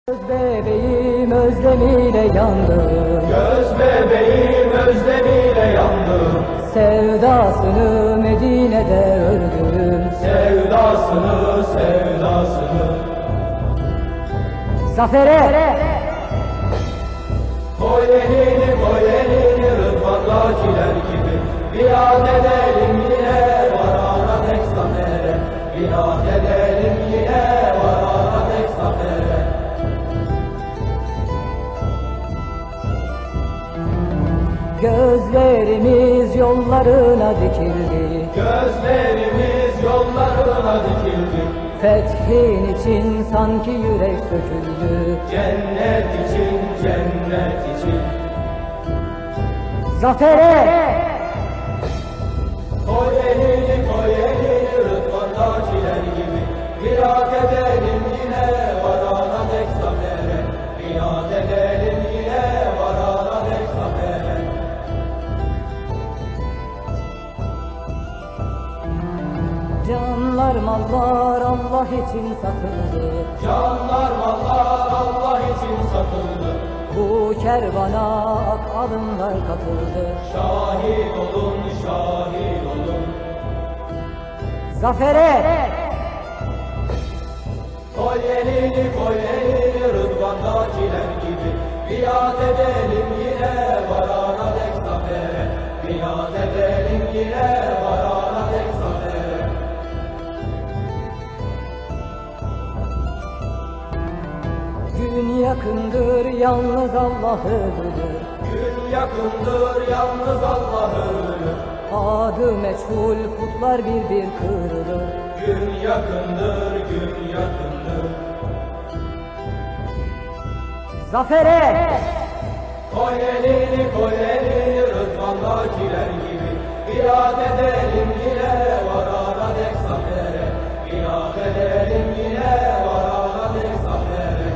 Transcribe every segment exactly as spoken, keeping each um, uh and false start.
Göz bebeğim özlemiyle yandım. Göz bebeğim özlemiyle yandım. Sevdasını Medine'de öldüm. Sevdasını, sevdasını. Zafere Koy elini, koy elini Rıdvan'dakiler gibi. Biat edelim yine varana tek zafere. Biat edelim yine varana tek zafere. gözlerimiz yollarına dikildi. Gözlerimiz yollarına dikildi. Fethin için sanki yürek söküldü. Cennet için, cennet için. Zafere Koy elini, koy elini Rıdvan'dakiler gibi. Biat edelim yine varana dek zafere. Biat edelim yine varana dek zafere. canlar mallar Allah için satıldı. Canlar mallar Allah için satıldı. Bu kervana ak alınlar katıldı. Şahit olun, şahit olun. Zafere Koy elini, koy elini Rıdvan'dakiler gibi. Biat edelim yine varana dek zafere. Biat edelim yine varana dek zafere. gün yakındır yalnız Allah ölür. Gün yakındır yalnız Allah ölür. Adı meçhul putlar bir bir kırılır. Gün yakındır, gün yakındır. Zafere Koy elini, koy elini Rıdvan'dakiler gibi. Biat edelim yine varana dek zafere. Biat edelim yine varana dek zafere.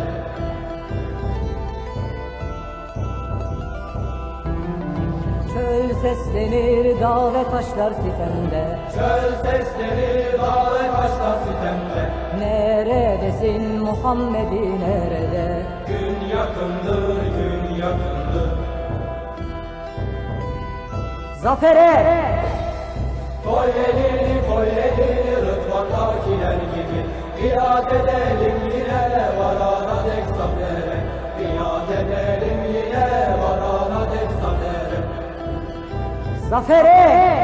çöl seslenir dağ ve taşlar sitemde. Çöl sesleri dağ ve taşlar sitemde. Neredesin Muhammed'i nerede? Gün yakındır, gün yakındır. Zafere Koy elini, koy elini Rıdvan'dakiler gibi. Biat edelim yine varana dek zafere. Biat edelim yine varana dek zafere. Zafere